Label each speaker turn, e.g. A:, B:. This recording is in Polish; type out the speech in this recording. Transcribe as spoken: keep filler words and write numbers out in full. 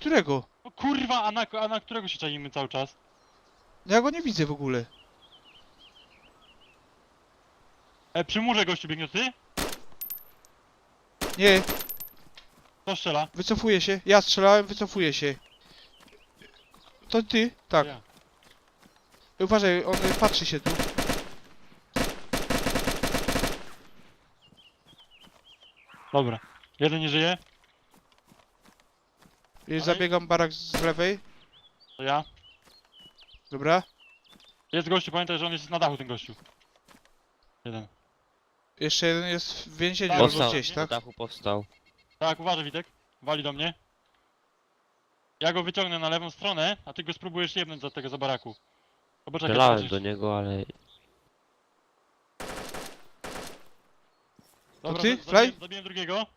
A: Którego?
B: O kurwa, a na, a na którego się czajimy cały czas?
A: Ja go nie widzę w ogóle.
B: E, przy murze gościu biegnie, ty?
A: Nie,
B: Kto strzela?
A: wycofuję się. Ja strzelałem, wycofuję się. To ty? Tak.
B: Ja.
A: Uważaj, on y, patrzy się tu.
B: Dobra. Jeden nie żyje,
A: Już
B: Ale-
A: zabiegam barak z lewej.
B: to ja.
A: Dobra.
B: Jest gościu, pamiętaj, że on jest na dachu, ten gościu. Jeden.
A: Jeszcze jeden jest w więzieniu
B: Tak,
A: albo
C: Powstał,
A: gdzieś,
C: na
A: tak?
C: dachu powstał.
B: Tak, uważaj, Witek. Wali do mnie. Ja go wyciągnę na lewą stronę, a ty go spróbujesz jebnąć za tego, za baraku. To poczekaj,
C: Strzelałem
B: patrzysz.
C: do niego, ale...
B: Dobra,
A: ty,
B: za-
A: Fly?
B: zabiłem, zabiłem drugiego.